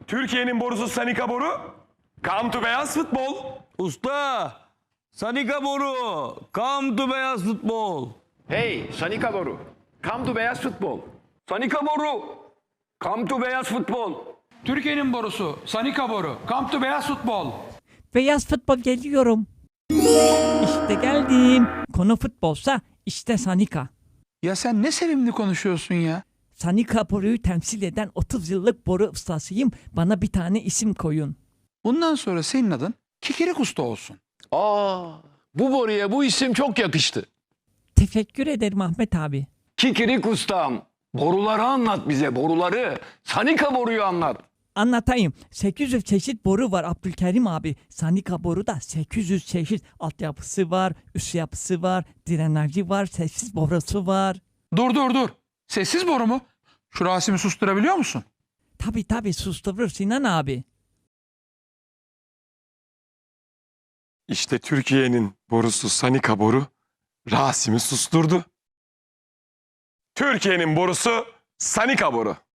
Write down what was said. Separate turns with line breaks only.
Türkiye'nin borusu Sanika boru. Come to beyaz futbol.
Usta, Sanika boru, come to beyaz futbol.
Hey Sanika boru. Come to beyaz futbol.
Sanika boru, come to beyaz futbol.
Türkiye'nin borusu, Sanika boru. Come to beyaz futbol.
Beyaz futbol geliyorum. İşte geldim. Konu futbolsa işte Sanika.
Ya sen ne sevimli konuşuyorsun ya.
Sanika boruyu temsil eden 30 yıllık boru ustasıyım. Bana bir tane isim koyun.
Bundan sonra senin adın Kikirik Usta olsun.
Bu boruya bu isim çok yakıştı.
Teşekkür ederim Ahmet abi.
Kikirik ustam, boruları anlat bize, boruları. Sanika boruyu anlat.
Anlatayım. 800 çeşit boru var Abdülkerim abi. Sanika boru da 800 çeşit altyapısı var, üst yapısı var, drenajı var, sessiz borusu var.
Dur. Sessiz boru mu? Şu Rasim'i susturabiliyor musun?
Tabii susturur Sinan abi.
İşte Türkiye'nin borusu Sanika boru. Rasim'i susturdu. Türkiye'nin borusu Sanika boru.